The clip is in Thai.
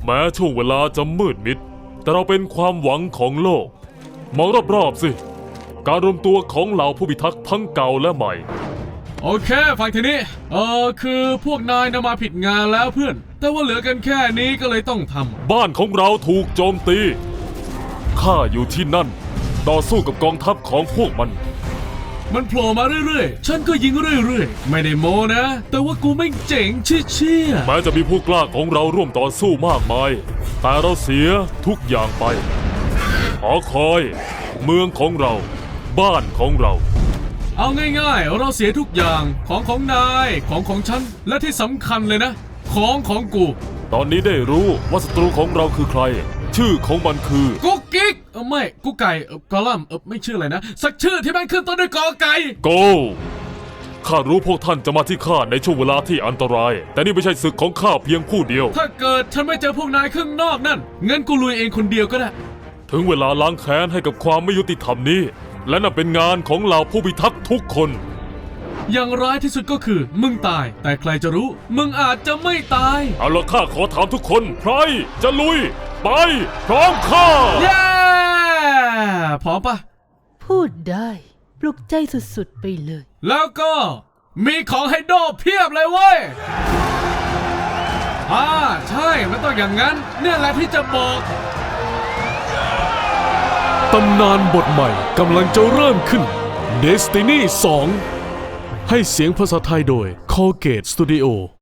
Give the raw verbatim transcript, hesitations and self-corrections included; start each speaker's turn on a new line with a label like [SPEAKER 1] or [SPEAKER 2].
[SPEAKER 1] แม้ช่วงเวลาจะมืดมิดแต่เราเป็นความหวังของโลกมองรอบๆสิการรวมตัวของเหล่าผู้พิทักษ์ทั้งเก่าและใหม่
[SPEAKER 2] โอเคฟังทีนี้เออคือพวกนายนำมาผิดงานแล้วเพื่อนแต่ว่าเหลือกันแค่นี้ก็เลยต้องทำ
[SPEAKER 1] บ้านของเราถูกโจมตีข้าอยู่ที่นั่นต่อสู้กับกองทัพของพวกมัน
[SPEAKER 2] มันโผล่มาเรื่อยๆฉันก็ยิงเรื่อยๆไม่ได้โมนะแต่ว่ากูไม่เจ๋งเชี่ย
[SPEAKER 1] แม้จะมีผู้กล้าของเราร่วมต่อสู้มากมายแต่เราเสียทุกอย่างไปหอคอยเมืองของเราบ้านของเรา
[SPEAKER 2] เอาง่ายๆเราเสียทุกอย่างของของนายของของฉันและที่สำคัญเลยนะของของกู
[SPEAKER 1] ตอนนี้ได้รู้ว่าศัตรูของเราคือใครชื่อของมันคือ
[SPEAKER 2] กุ๊กกิ๊กเออไม่กุ๊กไก่เออกอลัมน์เออไม่ชื่ออะไรนะสักชื่อที่มันขึ้นต้นด้วยกอไก่
[SPEAKER 1] โกข้ารู้พวกท่านจะมาที่ข้าในช่วงเวลาที่อันตรายแต่นี่ไม่ใช่ศึกของข้าเพียงผู้เดียว
[SPEAKER 2] ถ้าเกิดฉันไม่เจอพวกนายข้างนอกนั่นงั้นกูลุยเองคนเดียวก็ได้
[SPEAKER 1] ถึงเวลาล้างแค้นให้กับความไม่ยุติธรรมนี้และนั่นเป็นงานของเหล่าผู้พิทักษ์ทุกคน
[SPEAKER 2] อย่างร้ายที่สุดก็คือมึงตายแต่ใครจะรู้มึงอาจจะไม่ตาย
[SPEAKER 1] เอาละข้าขอถามทุกคนใครจะลุยไปพร้อมข้า
[SPEAKER 2] เย้พร้อมปะ
[SPEAKER 3] พูดได้ปลุกใจสุดๆไปเลย
[SPEAKER 2] แล้วก็มีของให้โดเพียบเลยเว้ยอ่าใช่มันต้องอย่างนั้นเนี่ยแหละที่จะบอก
[SPEAKER 4] ตำนานบทใหม่กำลังจะเริ่มขึ้น Destiny สองให้เสียงภาษาไทยโดย Colgate Studio